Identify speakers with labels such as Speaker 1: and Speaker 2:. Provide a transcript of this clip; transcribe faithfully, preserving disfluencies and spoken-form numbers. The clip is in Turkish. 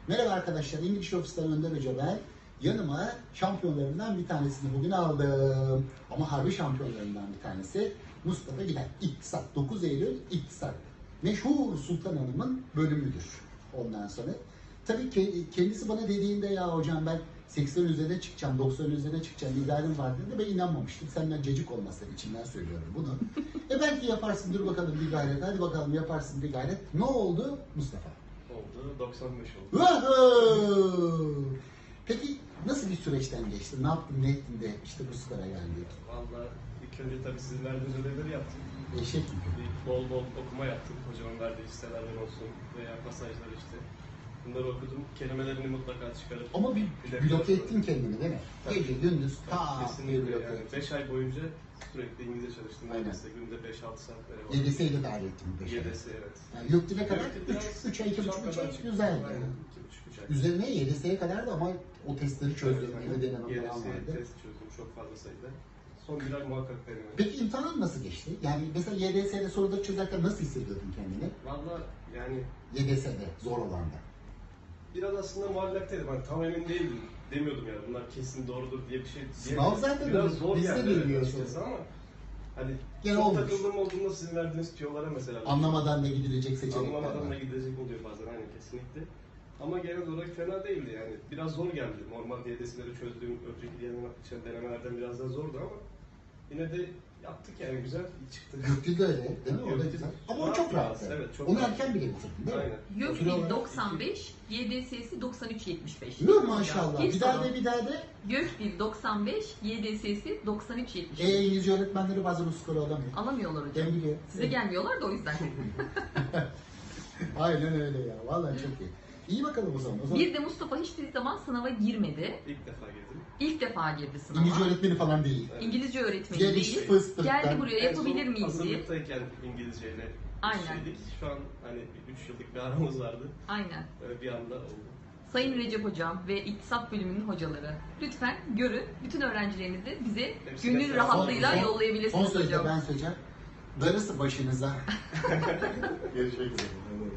Speaker 1: Merhaba arkadaşlar, İngiliz Ofis'ten Önder Hoca ben. Yanıma şampiyonlarından bir tanesini bugün aldım. Ama harbi şampiyonlarından bir tanesi Mustafa Gider. İktisat, dokuz Eylül İktisat. Meşhur Sultan Hanım'ın bölümüdür ondan sonra. Tabii ki kendisi bana dediğinde ya hocam ben seksen üzerine çıkacağım, doksan üzerine çıkacağım, idealim var dedi. Ben inanmamıştım. Senden cacık olmasın içimden söylüyorum bunu. e belki yaparsın, dur bakalım bir gayret. Hadi bakalım yaparsın bir gayret. Ne oldu Mustafa?
Speaker 2: Oldu, doksan beş oldu.
Speaker 1: Woohoo! Peki nasıl bir süreçten geçtin? Ne yaptın, ne ettin de işte bu skora geldik?
Speaker 2: Valla ilk önce tabii sizin verdiğiniz ödevleri yaptım.
Speaker 1: Eşek gibi.
Speaker 2: Bir bol bol okuma yaptım. Hocamın verdiği listelerden olsun veya pasajlar işte. Bunları okudum. Kelimelerini mutlaka çıkarıp...
Speaker 1: Ama bir
Speaker 2: Bir de
Speaker 1: bloke
Speaker 2: biraz-
Speaker 1: ettin kendini değil mi?
Speaker 2: Tabii.
Speaker 1: Gece, gündüz, ta
Speaker 2: Tabii,
Speaker 1: bir
Speaker 2: kesinlikle
Speaker 1: bloke
Speaker 2: yani.
Speaker 1: ettin.
Speaker 2: beş ay boyunca sürekli İngilizce çalıştım.
Speaker 1: Aynen.
Speaker 2: Neredeyse günde beş altı saat böyle.
Speaker 1: Y D S'yi de dahil ettim beş ay.
Speaker 2: Y D S evet.
Speaker 1: Yani yok dile kadar
Speaker 2: Yok, biraz
Speaker 1: üç ay, iki buçuk, üç ay
Speaker 2: şapkadan çıktı.
Speaker 1: güzel.
Speaker 2: Aynen,
Speaker 1: Yani.
Speaker 2: iki buçuk, üç ay.
Speaker 1: Üzerine Y D S'ye kadar da ama o testleri çözdüm.
Speaker 2: Evet,
Speaker 1: Eve deneme
Speaker 2: Y D
Speaker 1: falan
Speaker 2: S
Speaker 1: vardı.
Speaker 2: test çözdüm çok fazla sayıda. Son bir ay muhakkak denemedim.
Speaker 1: Peki imtihan nasıl geçti? Yani mesela Y D S'de soruları çözerken nasıl hissediyordun kendini?
Speaker 2: Valla yani
Speaker 1: Y D S'de, zor olanda.
Speaker 2: biraz aslında muallaktaydım. Hani tam emin değildim. Demiyordum yani bunlar kesin doğrudur diye bir şey
Speaker 1: Sınav
Speaker 2: diyemedim.
Speaker 1: zaten
Speaker 2: biraz
Speaker 1: öyle.
Speaker 2: zor
Speaker 1: Biz de
Speaker 2: geldi
Speaker 1: bilmiyoruz
Speaker 2: evet açıkçası
Speaker 1: onu.
Speaker 2: ama hani
Speaker 1: Gene
Speaker 2: çok
Speaker 1: olmuş.
Speaker 2: takıldığım olduğunda sizin verdiğiniz tüyolara mesela
Speaker 1: Anlamadan da gidilecek seçenekler
Speaker 2: anlamadan da
Speaker 1: var.
Speaker 2: gidecek oluyor bazen aynen kesinlikle. Ama genel olarak fena değildi yani. Biraz zor geldi. Normal D D S'leri çözdüğüm önceki diğer denemelerden biraz daha zordu ama yine de yaptık yani güzel çıktı.
Speaker 1: Gökdil de öyle değil mi? O da
Speaker 2: Gökdil
Speaker 1: güzel. Ama o
Speaker 2: rahat
Speaker 1: çok
Speaker 2: rahat,
Speaker 1: rahattı.
Speaker 2: evet, çok
Speaker 1: Onu
Speaker 2: rahat.
Speaker 1: erken bile bitirdin değil mi?
Speaker 2: Aynen.
Speaker 1: Süre
Speaker 3: Gökdil
Speaker 1: olarak-
Speaker 3: doksan beş, Y D S'si doksan üç yetmiş beş.
Speaker 1: Yok maşallah.
Speaker 3: İlk
Speaker 1: Bir daha
Speaker 3: soru.
Speaker 1: de bir daha de.
Speaker 3: Gökdil doksan beş, Y D S'si doksan üç yetmiş
Speaker 1: E,
Speaker 3: beş.
Speaker 1: İngilizce öğretmenleri bazen o skoru alamıyor.
Speaker 3: Alamıyorlar hocam.
Speaker 1: Ben biliyorum.
Speaker 3: Size gelmiyorlar da o yüzden.
Speaker 1: Aynen öyle ya. Vallahi çok iyi. İyi bakalım o zaman. O zaman
Speaker 3: Bir de Mustafa hiçbir zaman sınava girmedi.
Speaker 2: İlk defa girdim.
Speaker 3: İlk defa girdi sınava.
Speaker 1: İngilizce öğretmeni falan değil.
Speaker 2: Evet.
Speaker 3: İngilizce öğretmeni
Speaker 1: Geliş
Speaker 3: değil.
Speaker 1: fıstıktan.
Speaker 3: Geldi buraya
Speaker 2: En
Speaker 3: yapabilir
Speaker 2: son
Speaker 3: miyiz diye.
Speaker 2: hazırlıktayken İngilizceyle
Speaker 3: Aynen.
Speaker 2: şeydik. Şu an hani üç yıllık bir aramız vardı.
Speaker 3: Aynen.
Speaker 2: Böyle bir anda oldu.
Speaker 3: Sayın Recep Hocam ve İktisat Bölümünün hocaları lütfen görün. Bütün öğrencilerinizi bize
Speaker 2: Hepsi
Speaker 3: gönül
Speaker 2: mesela-
Speaker 3: rahatlığıyla
Speaker 1: Son- son- Son
Speaker 3: yollayabilirsiniz
Speaker 1: sözde
Speaker 3: hocam.
Speaker 1: ben söyleyeceğim. Darısı başınıza. Görüşmek üzere.